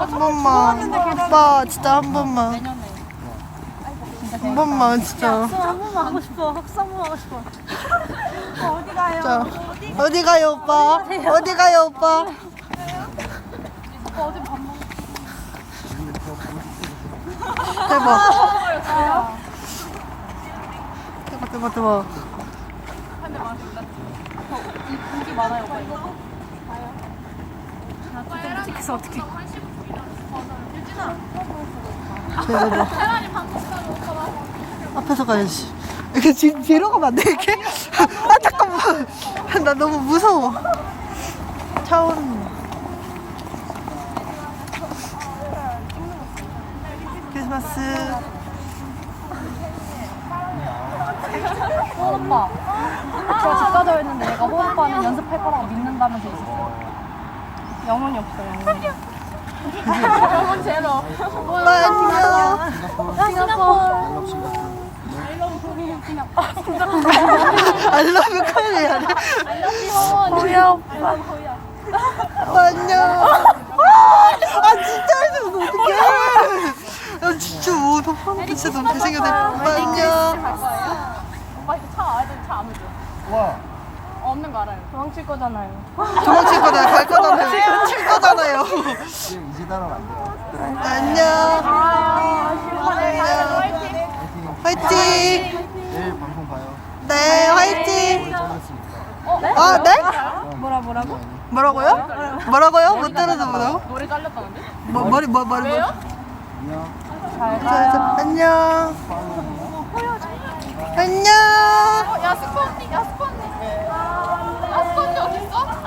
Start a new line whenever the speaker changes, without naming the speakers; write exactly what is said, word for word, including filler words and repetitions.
한 번만. 오빠 진짜 한 번만. 한 번만 진짜.
한 번만 하고 싶어. 학수 한 번만 하고 싶어. 어디 가요?
자, 어디 가요 오빠? 어디 가요 오빠?
어디 밥 먹
대박. 대박 대박 대박.
한대 맞았다. 인기 많아요, 오빠 이거. 봐요. 나 진짜 찍혀서 어떡해.
대박. 앞에서 가야지. 이렇게 뒤, 뒤로 가면 안 돼, 이렇게? 아, 잠깐만. 나 너무 무서워. 차오른. 크리스마스.
호은 오빠. 제가 집 가자고 했는데 얘가 호은 오빠는 연습할 거라고 믿는다면서 있었어요. 영혼이 없어, 영혼이. 영혼 제로.
오빠 안녕.
싱가포르.
I love you 코리아.
호야 오빠.
오빠 안녕. 아 진짜 해줘. 어떡해. 야 진짜 뭐 덕분에 진짜 너무 잘생겼네. 오빠 안녕.
오빠 이거 차 와야 되는데 차 안 오죠?
와.
없는 거 알아요. 도망칠 거잖아요.
도망칠 거잖아요. 갈 거잖아요. 칠 거잖아요.
지금 이제 따라면 안 돼요.
안녕.
화이팅.
화이팅.
내일 방송 봐요.
네 화이팅.
잘렸으니까.
아 네?
뭐라 뭐라고?
뭐라고요? 뭐라고요? 못 들어서 뭐라고?
노래 잘렸다는데?
뭐, 머리 뭐 머리 뭐?
안녕.
잘
자, 자, 안녕. 안녕.
야 스포 언니, 야 스포